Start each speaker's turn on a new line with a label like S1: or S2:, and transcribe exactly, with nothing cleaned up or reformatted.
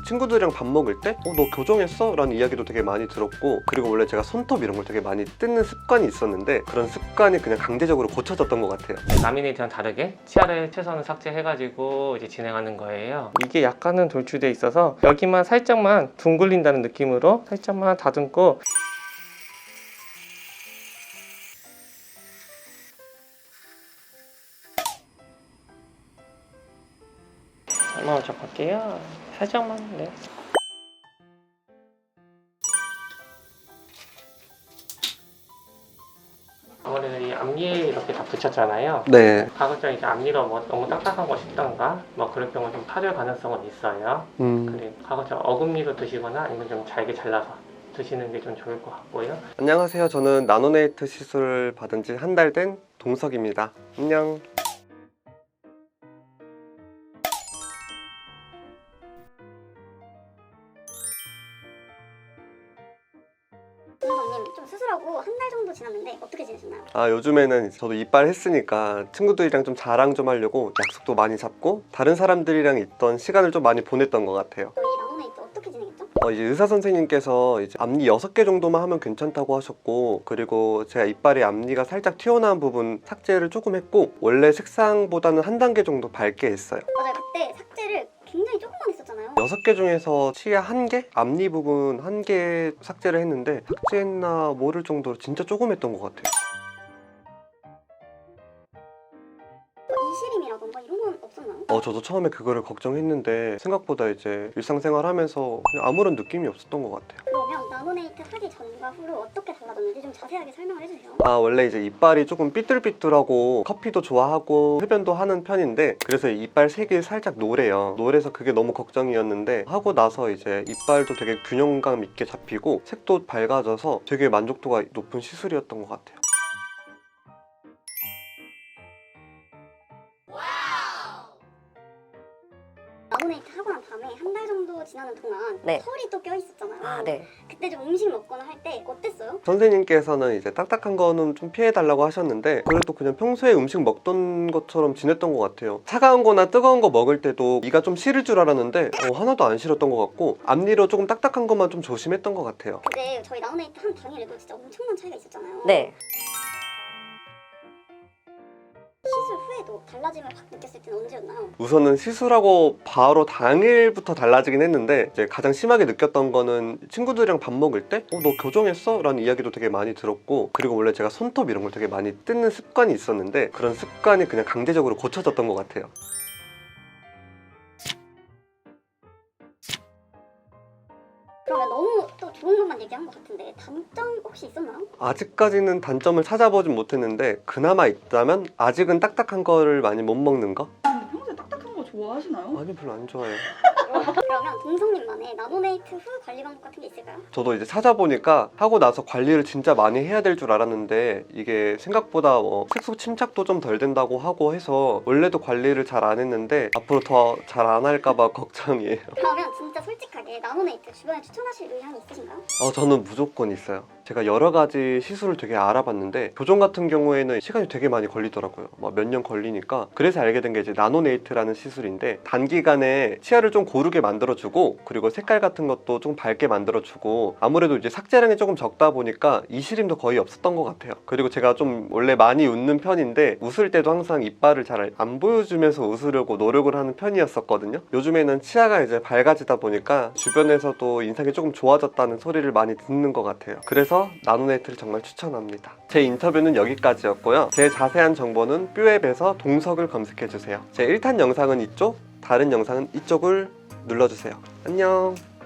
S1: 친구들이랑 밥 먹을 때 어, 너 교정했어? 라는 이야기도 되게 많이 들었고, 그리고 원래 제가 손톱 이런 걸 되게 많이 뜯는 습관이 있었는데 그런 습관이 그냥 강제적으로 고쳐졌던 것 같아요.
S2: 라미네이트랑 다르게 치아를 최선을 삭제해가지고 이제 진행하는 거예요. 이게 약간은 돌출돼 있어서 여기만 살짝만 둥글린다는 느낌으로 살짝만 다듬고, 한번 접할게요. 살짝만. 네. 아무래도 이 앞니에 이렇게 다 붙였잖아요.
S1: 네.
S2: 가급적 이제 앞니가 뭐 너무 딱딱한 거 싶던가 뭐 그럴 경우 좀 파열 가능성은 있어요.
S1: 음.
S2: 근데 가급적 어금니로 드시거나 아니면 좀 잘게 잘라서 드시는 게 좀 좋을 것 같고요.
S1: 안녕하세요. 저는 나노네이트 시술을 받은 지 한 달 된 동석입니다. 안녕.
S3: 선생님, 좀 수술하고 한 달 정도 지났는데 어떻게 지내셨나요?
S1: 아, 요즘에는 이제 저도 이빨 했으니까 친구들이랑 좀 자랑 좀 하려고 약속도 많이 잡고 다른 사람들이랑 있던 시간을 좀 많이 보냈던 것 같아요.
S3: 저희 나노네이트 어떻게 진행했죠?
S1: 어, 이제 의사 선생님께서 이제 앞니 여섯 개 정도만 하면 괜찮다고 하셨고, 그리고 제가 이빨에 앞니가 살짝 튀어나온 부분 삭제를 조금 했고, 원래 색상보다는 한 단계 정도 밝게 했어요.
S3: 맞아요, 그때 삭제를 굉장히 조금만 했었잖아요.
S1: 여섯 개 중에서 치아 한 개? 앞니 부분 한 개 삭제를 했는데 삭제했나 모를 정도로 진짜 조금 했던 것 같아요.
S3: 뭐 이시림이라던가 이런 건 없었나요?
S1: 어, 저도 처음에 그거를 걱정했는데 생각보다 이제 일상생활 하면서 그냥 아무런 느낌이 없었던 것 같아요.
S3: 그러면 나노네이트 하기 전과 후로 어떻게 달라졌는지 좀 자세하게 설명을 해주세요.
S1: 아, 원래 이제 이빨이 조금 삐뚤삐뚤하고 커피도 좋아하고 흡연도 하는 편인데, 그래서 이빨 색이 살짝 노래요. 노래서 그게 너무 걱정이었는데 하고 나서 이제 이빨도 되게 균형감 있게 잡히고 색도 밝아져서 되게 만족도가 높은 시술이었던 것 같아요.
S3: 나노네이트 하고 난 다음에 한 달 정도 지나는 동안
S4: 네.
S3: 털이 또 껴있었잖아요.
S4: 아, 네.
S3: 그때 좀 음식 먹거나 할 때 어땠어요?
S1: 선생님께서는 이제 딱딱한 거는 좀 피해달라고 하셨는데 그래도 그냥 평소에 음식 먹던 것처럼 지냈던 것 같아요. 차가운 거나 뜨거운 거 먹을 때도 이가 좀 싫을 줄 알았는데 어, 하나도 안 싫었던 것 같고, 앞니로 조금 딱딱한 것만 좀 조심했던 것 같아요.
S3: 근데 저희 나노네이트 한 당일에도 진짜 엄청난 차이가 있었잖아요.
S4: 네.
S3: 시술 후에도 달라짐을 확 느꼈을 때는 언제였나요?
S1: 우선은 시술하고 바로 당일부터 달라지긴 했는데 이제 가장 심하게 느꼈던 거는 친구들이랑 밥 먹을 때 어, 너 교정했어? 라는 이야기도 되게 많이 들었고, 그리고 원래 제가 손톱 이런 걸 되게 많이 뜯는 습관이 있었는데 그런 습관이 그냥 강제적으로 고쳐졌던 것 같아요.
S3: 그러면 너무 또 좋은 것만 얘기한 것 같은데 단점 혹시 있었나요?
S1: 아직까지는 단점을 찾아보진 못했는데 그나마 있다면 아직은 딱딱한 거를 많이 못 먹는 거?
S5: 평소에 딱딱한 거 좋아하시나요?
S1: 아니, 별로 안 좋아해요.
S3: 그러면 동성님만의 나노네이트 후 관리 방법 같은 게 있을까요?
S1: 저도 이제 찾아보니까 하고 나서 관리를 진짜 많이 해야 될 줄 알았는데 이게 생각보다 뭐 색소 침착도 좀 덜 된다고 하고 해서 원래도 관리를 잘 안 했는데 앞으로 더 잘 안 할까봐 걱정이에요.
S3: 그러면 진짜 솔직하게 나노네이트 주변에 추천하실 의향이 있으신가요?
S1: 어, 저는 무조건 있어요. 제가 여러 가지 시술을 되게 알아봤는데 교정 같은 경우에는 시간이 되게 많이 걸리더라고요. 뭐 몇 년 걸리니까. 그래서 알게 된 게 이제 나노네이트라는 시술인데 단기간에 치아를 좀 고르게 만들어주고, 그리고 색깔 같은 것도 좀 밝게 만들어주고, 아무래도 이제 삭제량이 조금 적다 보니까 이시림도 거의 없었던 것 같아요. 그리고 제가 좀 원래 많이 웃는 편인데 웃을 때도 항상 이빨을 잘 안 보여주면서 웃으려고 노력을 하는 편이었었거든요. 요즘에는 치아가 이제 밝아지다 보니까 주변에서도 인상이 조금 좋아졌다는 소리를 많이 듣는 것 같아요. 그래서 나노네이트를 정말 추천합니다. 제 인터뷰는 여기까지였고요. 제 자세한 정보는 뷰앱에서 동석을 검색해주세요. 제 일 탄 영상은 이쪽, 다른 영상은 이쪽을 눌러주세요. 안녕.